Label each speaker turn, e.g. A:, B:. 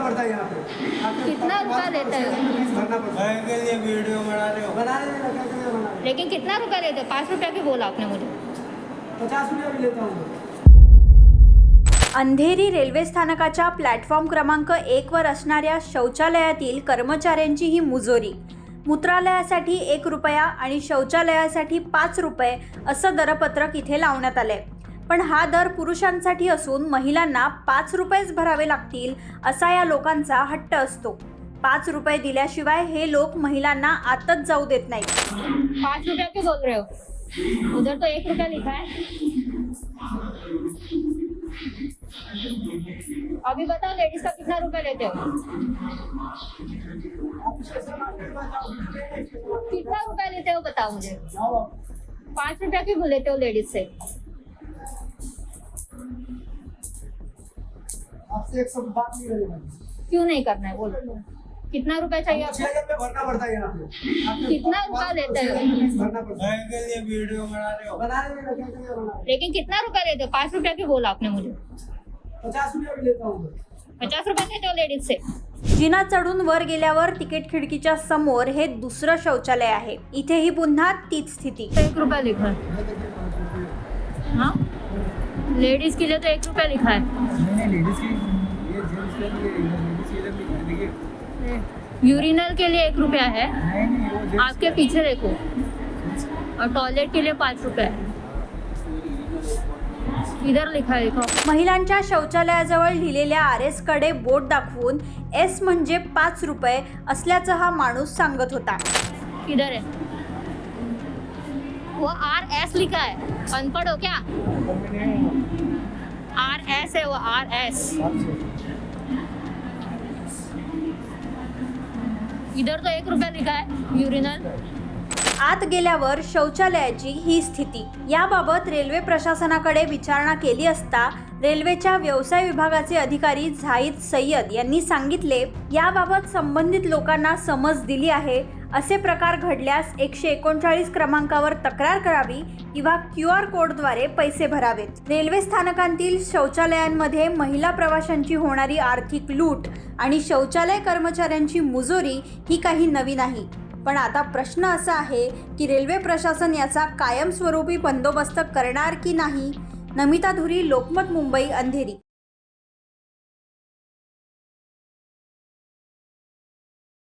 A: पड़ता है यहाँ पे।
B: कितना रुपया लेते हो?
A: भरना पड़ता है।
C: के लिए वीडियो बना रहे हो?
A: बना रहे हैं, कैसे बना रहे हैं?
B: लेकिन कितना रुपया लेते हो? 5 रुपया क्यों बोला आपने मुझे?
A: 50 रुपया भी लेता हूँ।
D: अंधेरी रेल्वे स्थानकाच्या प्लॅटफॉर्म क्रमांक 1 वर असणाऱ्या शौचालयातील कर्मचाऱ्यांची ही मुजोरी. मूत्रालयासाठी 1 रुपया आणि शौचालयासाठी 5 रुपये असं दरपत्रक इथे लावण्यात आलंय. पण हा दर पुरुषांसाठी असून महिलांना 5 रुपयेच भरावे लागतील असा या लोकांचा हट्ट असतो. 5 रुपये दिल्याशिवाय हे लोक महिलांना आतच जाऊ देत नाहीत.
B: 5 रुपया क्यों बोल रहे हो? उधर तो 1 रुपया लिखा है. अभी बताओ लेडीज का कितना रुपया लेते हो? कितना रुपया लेते हो बताओ मुझे. 5 रुपया क्यों लेते हो लेडीज से?
A: आपसे एक सब बात नहीं करेगा।
B: क्यों नहीं करना है बोलो. कितना रुपया चाहिए आपको?
A: 6,000 रुपया भरना पड़ता है यहाँ पे।
B: कितना रुपया लेते हो?
A: भरना पड़ता है।
C: के लिए वीडियो बना रहे हो?
A: बना रहे हैं, कैसे बना रहे हैं?
B: लेकिन कितना रुपया लेते हो? 5 रुपया क्यों बोला आपने मुझे?
A: 50 रुपया भी लेता हूँ।
B: 50 रुपया लेते हो लेडीज से.
D: जिना चढून वर गेल्यावर तिकीट खिडकीच्या समोर हे दुसरं शौचालय आहे. इथेही पुन्हा तीच स्थिती.
B: 1 रुपया लिखा है. हाँ लेडीज के लिए तो 1 रुपया लिखा है.
A: नहीं, लेडीज की ये जेंट्स के लिए लेडीज के लिए भी देखिए।
B: यूरिनल के लिए 1 रुपया है.
A: नहीं, वो जेंट्स
B: आपके पीछे देखो. और टॉयलेट के लिए 5 रुपया है. इधर लिखा है देखो.
D: महिलांच्या शौचालयाजवळ लिहिलेल्या RS कडे बोट दाखवून S म्हणजे 5 रुपये असल्याचं हा माणूस सांगत होता.
B: किधर है? वो RS लिखा है. अनपढ़ हो क्या? RS है वो RS. इधर तो 1 रुपया लिखा है यूरिनल.
D: आत गेल्यावर शौचालयाची ही स्थिती. याबाबत रेल्वे प्रशासनाकडे विचारणा केली असता रेल्वेच्या व्यवसाय विभागाचे अधिकारी झाहिद सय्यद यांनी सांगितले, याबाबत संबंधित लोकांना समज दिली आहे. असे प्रकार घडल्यास 139 क्रमांकावर तक्रार करावी किंवा QR कोडद्वारे पैसे भरावेत. रेल्वे स्थानकांतील शौचालयांमध्ये महिला प्रवाशांची होणारी आर्थिक लूट आणि शौचालय कर्मचाऱ्यांची मुजोरी ही काही नवी नाही. पण आता प्रश्न असा आहे की रेल्वे प्रशासन याचा कायमस्वरूपी बंदोबस्त करणार की नाही. नमिता धुरी, लोकमत, मुंबई, अंधेरी.